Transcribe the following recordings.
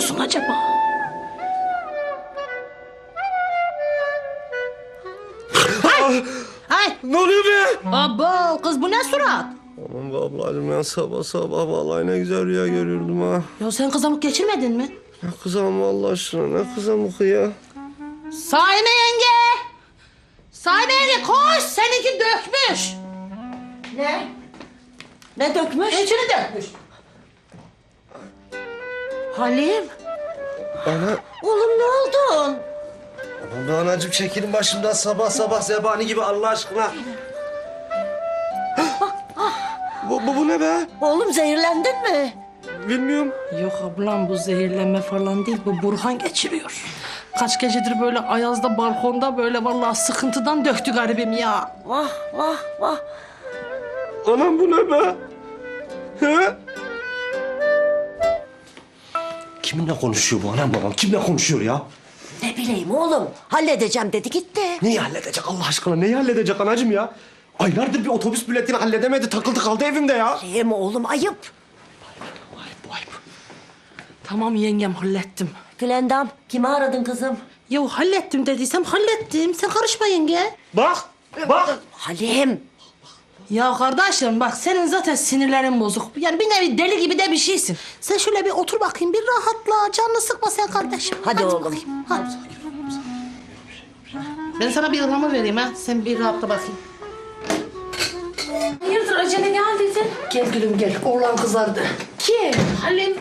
yapıyorsun acaba? Ay! Ne oluyor be? Abo kız bu ne surat? Aman be ablacığım ya sabah sabah vallahi ne güzel rüya görüyordum ha. Ya sen kızamık geçirmedin mi? Ne kızamı Allah aşkına ne kızamı ya. Saime yenge! Saime yenge koş! Seninki dökmüş. Ne? Ne dökmüş? İçini dökmüş. Halim. Ana. Oğlum ne oldun? Aman be anacığım çekilin başımdan sabah sabah zebani gibi Allah aşkına. bu ne be? Oğlum zehirlendin mi? Bilmiyorum. Yok ablam bu zehirlenme falan değil. Bu Burhan geçiriyor. Kaç gecedir böyle ayazda balkonda böyle vallahi sıkıntıdan döktü garibim ya. Vah vah vah. Anam bu ne be? He? Kiminle konuşuyor bu anam babam? Kimle konuşuyor ya? Ne bileyim oğlum. Halledeceğim dedi gitti. Neyi halledecek Allah aşkına? Neyi halledecek anacığım ya? Aylardır bir otobüs biletini halledemedi. Takıldı kaldı evimde ya. Değil mi oğlum ayıp. Ayıp. Tamam yengem hallettim. Gülendam kimi aradın kızım? Ya hallettim dediysem hallettim. Sen karışma yenge. Bak. Halim. Ya kardeşim bak senin zaten sinirlerin bozuk. Yani bir nevi deli gibi de bir şeysin. Sen şöyle bir otur bakayım bir rahatla. Canını sıkma sen kardeşim. Hadi oğlum. Bakayım, hadi. Ben sana bir ıhlamur vereyim ha. Sen bir rahatla bakayım. Hayırdır acele geldiydin? Gel gülüm gel. Oğlan kızardı. Kim? Halim.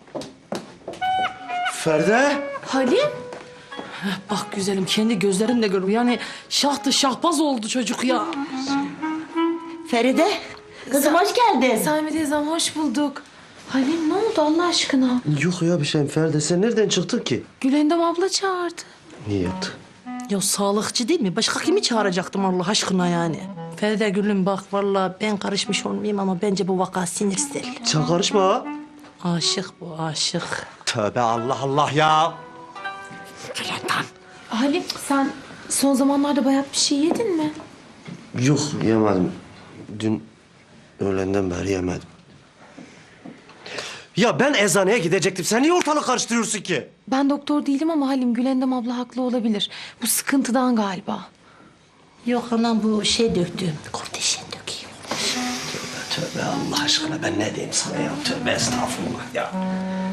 Feride. Halim? Bak güzelim kendi gözlerimle görüyorum. Yani şahtı şahbaz oldu çocuk ya. Feride. Kızım hoş geldin. Saime teyzem hoş bulduk. Halim ne oldu Allah aşkına? Yok ya bir şey Feride. Sen nereden çıktın ki? Gülendam abla çağırdı. Niye yaptı? Ya sağlıkçı değil mi? Başka kimi çağıracaktım Allah aşkına yani? Feride gülüm bak vallahi ben karışmış olmayayım ama bence bu vaka sinirsel. Sen karışma ha. Aşık bu aşık. Tövbe Allah Allah ya. Halim sen son zamanlarda bayağı bir şey yedin mi? Yok yemedim. Dün öğlenden beri yemedim. Ya ben eczaneye gidecektim. Sen niye ortalık karıştırıyorsun ki? Ben doktor değilim ama Halim Gülendam abla haklı olabilir. Bu sıkıntıdan galiba. Yok anam bu şey döktü. Korteşen dökeyim. Tövbe Allah aşkına ben ne diyeyim sana ya? Tövbe estağfurullah ya.